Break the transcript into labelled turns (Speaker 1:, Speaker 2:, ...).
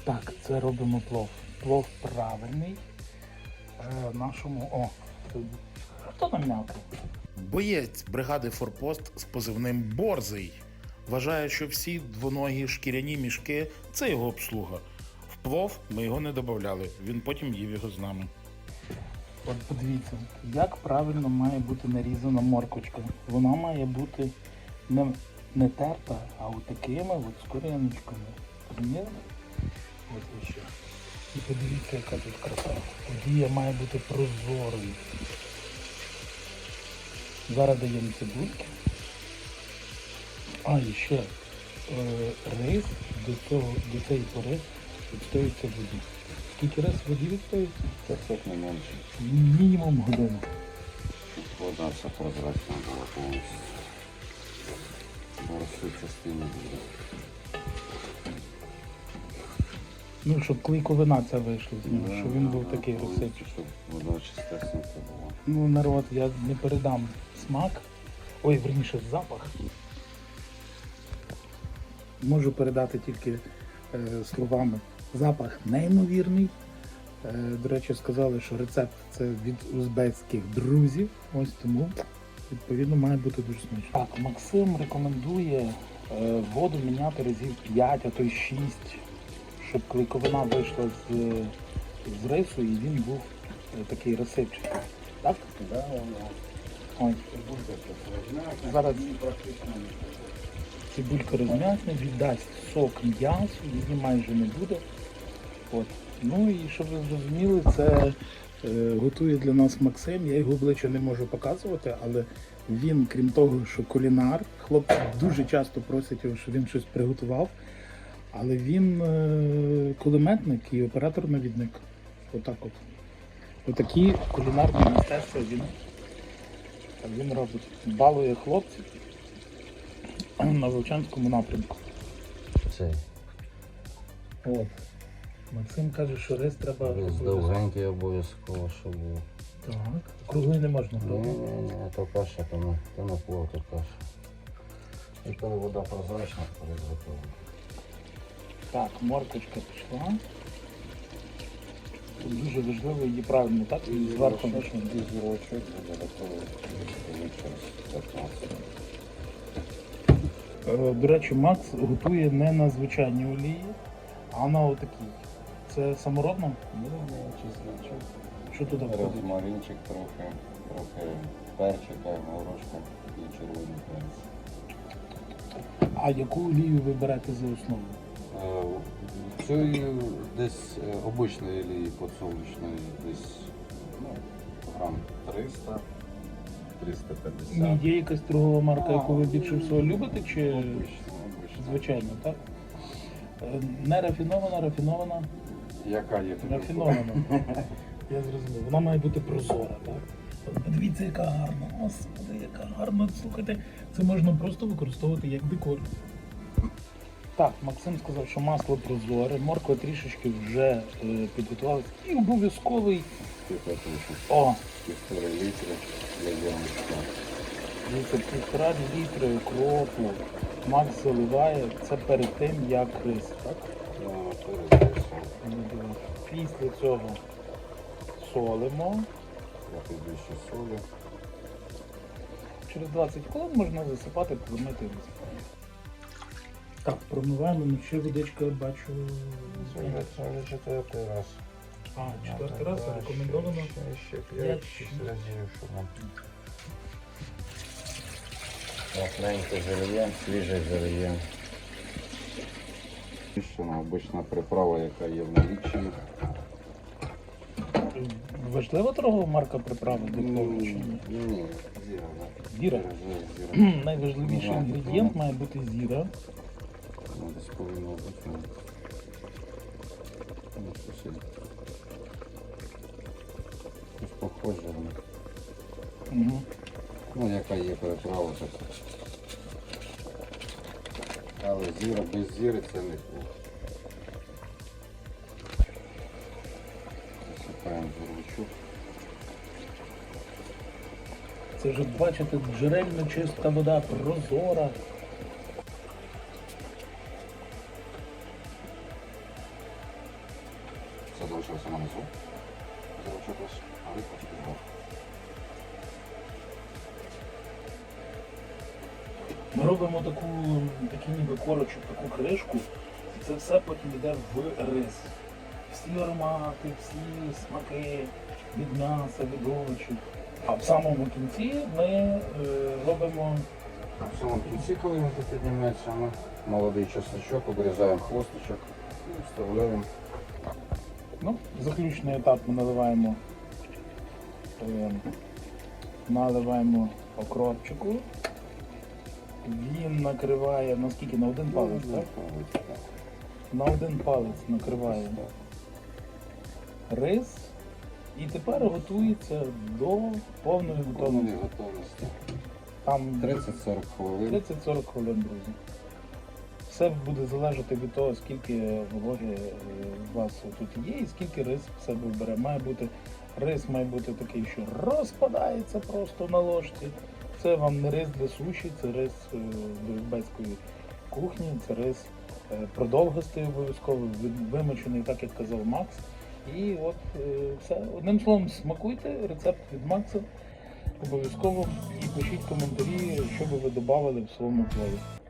Speaker 1: Так, це робимо плов. Плов правильний. Нашому... О, хто там м'який?
Speaker 2: Боєць бригади «Форпост» з позивним «Борзий» вважає, що всі двоногі шкіряні мішки – це його обслуга. В плов ми його не додавали, він потім їв його з нами.
Speaker 1: От подивіться, як правильно має бути нарізана морквочка. Вона має бути не терта, а от такими от з коріночками. Розумієте? Ось і ще. І подивіться, яка тут краса. Олія має бути прозорою. Зараз даємо цибульки. А, і ще рис до цієї пори відстоюється в воді. Скільки раз в воді відстоюється?
Speaker 3: 500 не менше.
Speaker 1: Мінімум годину.
Speaker 3: Вода вся прозрачна була повністю. Борщу частину буде.
Speaker 1: Ну, щоб клейковина ця вийшла з нього, щоб він був такий розсипчий.
Speaker 3: Щоб вода чистесенька була.
Speaker 1: Ну, народ, я не передам смак. Ой, верніше, запах. Можу передати тільки словами. Запах неймовірний. До речі, сказали, що рецепт це від узбецьких друзів. Ось тому, відповідно, має бути дуже смачно. Так, Максим рекомендує воду міняти разів 5, а то й 6, щоб клейковина вийшла з рису і він був такий розсипчатий. Так?
Speaker 3: Да, воно.
Speaker 1: Ось. Зараз
Speaker 3: Практично не
Speaker 1: цибулька розм'якне, віддасть сок м'ясу, її майже не буде. От. Ну і щоб ви зрозуміли, це готує для нас Максим. Я його обличчя не можу показувати, але він, крім того, що кулінар, хлопці дуже часто просять його, щоб він щось приготував, але він кулеметник і оператор-навідник. Отак от. Отакі кулінарні мистецтва він робить. Балує хлопців на Вовчанському напрямку.
Speaker 3: Цей.
Speaker 1: От. Максим каже, що рис треба...
Speaker 3: Рис довгенький обов'язково, щоб був.
Speaker 1: Так. Круглий не можна,
Speaker 3: Ні,
Speaker 1: правда?
Speaker 3: ні, ні, то каша, то на плов, то каша. І коли вода прозрачна, то рис готовий.
Speaker 1: Так, моркочка пішла. Тут дуже важливо її правильно, так? І зверху почнемо.
Speaker 3: Зірочок буде готовий через 15.
Speaker 1: До речі, Макс готує не на звичайній олії, а на отакій. Це саморобно?
Speaker 3: Ну, чесночок.
Speaker 1: Що туди входить?
Speaker 3: Розмаринчик трохи перчика, горошка і червоний перець.
Speaker 1: А яку олію ви берете за основу?
Speaker 3: Цієї десь обичної олії подсолнечної, десь грам 300, 350.
Speaker 1: Ні, є якась торгова марка, яку ви більше всього любите, чи
Speaker 3: Обична.
Speaker 1: звичайно, так? Не рафінована, рафінована,
Speaker 3: Яка є?
Speaker 1: рафінована. Я зрозумів. Вона має бути прозора, так? От подивіться, яка гарна. Господи, яка гарна. Слухайте, це можна просто використовувати як декор. Так, Максим сказав, що масло прозоре, морква трішечки вже підготувалася. І обов'язковий. О!
Speaker 3: 1,5 літри для зерничка.
Speaker 1: Дивіться, 1,5 літри укропу. Макс заливає. Це перед тим, як рис, так? Після цього солимо.
Speaker 3: Трохи більше солі.
Speaker 1: Через 20 хвилин можна засипати, промити рис. Так, промиваємо, ну ще водичка, бачу.
Speaker 3: Це вже четвертий раз.
Speaker 1: А, четвертий раз рекомендовано.
Speaker 3: Ще 5-6 разів, щоб нам. Плотненько залиємо, свіже залиємо. Обична приправа, яка є в наліччі.
Speaker 1: Важлива торгова марка приправи для плову чи ні?
Speaker 3: Ні, зіра.
Speaker 1: Зіра?
Speaker 3: Зіра.
Speaker 1: Найважливіший інгредієнт має бути зіра.
Speaker 3: Ну, десь повинно бути. Ну, сусід. Щось похоже.
Speaker 1: Угу.
Speaker 3: Ну, яка є приправа, так. Але зіра без зіри це не плов. Засипаємо горличок.
Speaker 1: Це ж, бачите, джерельно чиста вода, прозора.
Speaker 3: залишилися на низу. Залишилось, а рибка тільки зверху.
Speaker 1: Ми робимо такий ніби корочок, таку кришку, і це все потім йде в рис. Всі аромати, всі смаки від м'яса, від овочів. А в самому кінці ми робимо
Speaker 3: В самому кінці, коли він тут підніметься, ми молодий чесночок, обрізаємо хвостичок і вставляємо.
Speaker 1: заключний етап. Ми наливаємо окропчику. Він накриває, наскільки, на один палець, так? На один палець накриває рис і тепер готується до повної готовності.
Speaker 3: Готовності.
Speaker 1: Там
Speaker 3: 30-40 хвилин.
Speaker 1: 30-40 хвилин, друзі. Все буде залежати від того, скільки вологи у вас тут є і скільки рис в себе бере. Рис має бути такий, що розпадається просто на ложці. Це вам не рис для суші, це рис до узбецької кухні, це рис продовгостий обов'язково, вимочений, так як казав Макс. І от все. Одним словом, смакуйте рецепт від Макса обов'язково і пишіть коментарі, що би ви додавали в своєму плові.